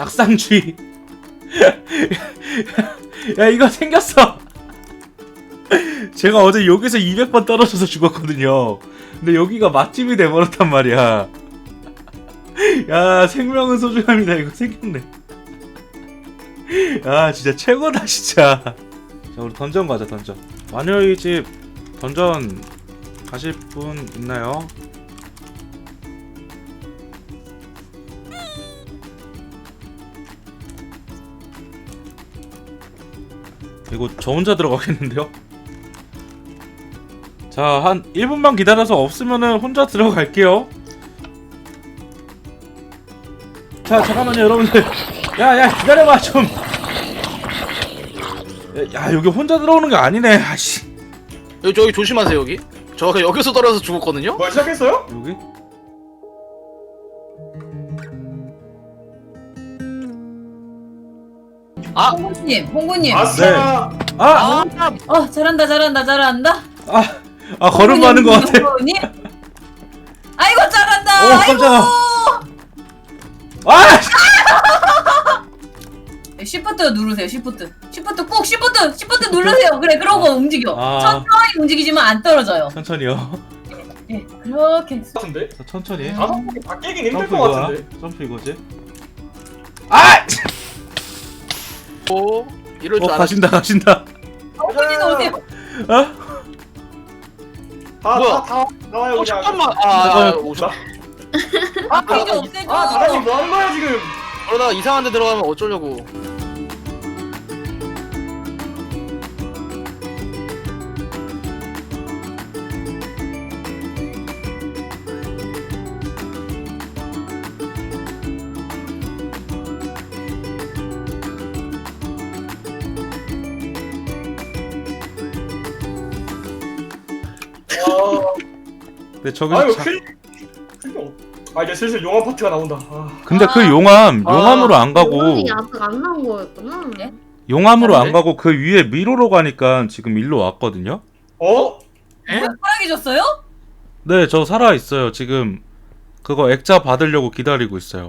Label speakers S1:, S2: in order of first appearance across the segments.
S1: 낙상주의. 야 이거 생겼어. 제가 어제 여기서 200번 떨어져서 죽었거든요. 근데 여기가 맛집이 돼버렸단 말이야. 야 생명은 소중합니다. 이거 생겼네. 야 진짜 최고다 진짜. 자 우리 던전 가자. 던전. 마녀의 집 던전 가실 분 있나요? 이거 저 혼자 들어가겠는데요? 자, 한 1분만 기다려서 없으면은 혼자 들어갈게요. 자, 잠깐만요, 여러분들. 야, 기다려봐, 좀. 야, 여기 혼자 들어오는 게 아니네, 아씨.
S2: 저기 조심하세요 여기. 저 여기서 떨어져서 죽었거든요.
S3: 뭐 시작했어요?
S1: 여기?
S2: 아,
S4: 홍구님.
S3: 아싸.
S1: 아!
S4: 잘한다.
S1: 걸음 하는 것 같아.
S4: 홍구님? 아이고, 잘한다.
S1: 깜짝아. 아!
S4: 시프트 누르세요, 시프트 꾹, 시프트 누르세요. 그래, 그러고 움직여. 천천히 움직이지만 안 떨어져요.
S1: 천천히요.
S4: 예, 그렇게.
S3: 같은데?
S1: 자, 천천히.
S3: 다섯 번다 깨긴 힘들
S1: 점프
S3: 것
S1: 이거야.
S3: 같은데.
S1: 점프 이거지. 아!
S2: 오, 이럴 줄 알았어.
S1: 가신다.
S4: 홍구님 오세요.
S1: 어?
S2: 뭐야?
S3: 다 나와요 그냥.
S2: 잠깐만. 오셨.
S4: 페이지 없애줘.
S3: 다람이 뭐 하는 거야 지금?
S2: 그러다가 이상한 데 들어가면 어쩌려고.
S1: 근데 저기
S3: 아유 이제 슬슬 용암 파트가 나온다.
S1: 근데 그 용암으로 안 가고
S5: 용암이 아직 안 나온 거였구나.
S4: 네?
S1: 용암으로 안
S2: 네?
S1: 가고 그 위에 미로로 가니까 지금 일로 왔거든요.
S3: 어?
S4: 사랑해줬어요?
S1: 네, 저 살아 있어요. 지금 그거 액자 받으려고 기다리고 있어요.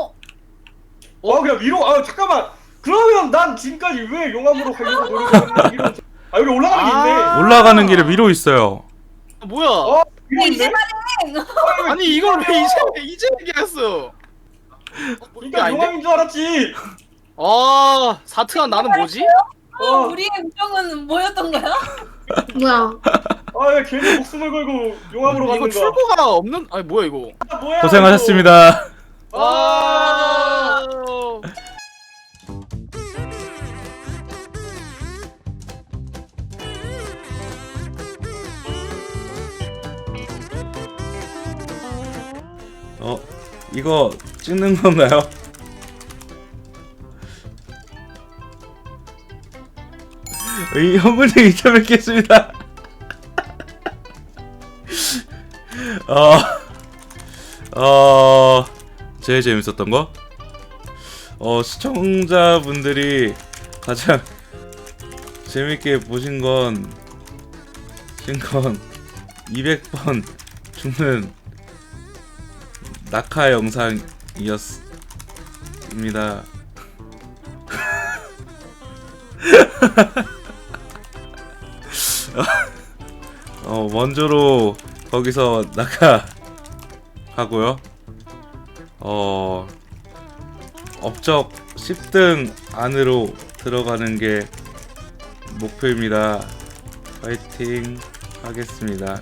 S3: 그냥 위로. 잠깐만. 그러면 난 지금까지 왜 용암으로 가려고 노력했는데 여기 올라가는 게 있네.
S1: 올라가는 길에 미로 있어요.
S2: 뭐야?
S3: 위로
S4: 이제
S3: 있네.
S2: 아니 이걸 왜 이제 얘기했어?
S3: 그러니까 용암인 줄 알았지.
S2: 사트한 나는 뭐지?
S4: 우리의 우정은 뭐였던 거야?
S5: 뭐야?
S3: 야 괜히 목숨을 걸고 용암으로
S2: 이거
S3: 가는 거야.
S2: 출구가 없는. 아니 뭐야 이거?
S3: 뭐야?
S1: 고생하셨습니다. 이거 찍는 건가요? 이 현분님 인터뷰했겠습니다. 제일 재밌었던 거? 시청자분들이 가장 재밌게 보신 건 200번 죽는 낙하 영상이었습니다. 원조로 거기서 낙하하고요. 업적 10등 안으로 들어가는 게 목표입니다. 파이팅 하겠습니다.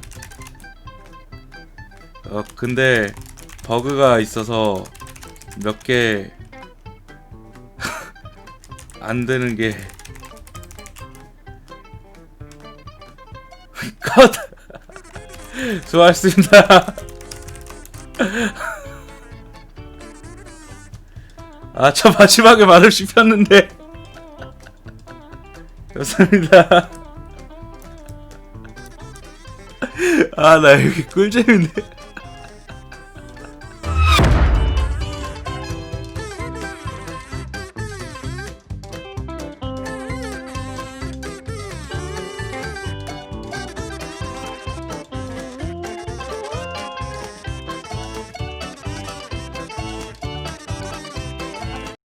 S1: 근데 버그가 있어서 몇 개 안 되는 게 컷! 수고하셨습니다. 저 마지막에 말을 씹혔는데 감사합니다. 나 여기 꿀잼이네.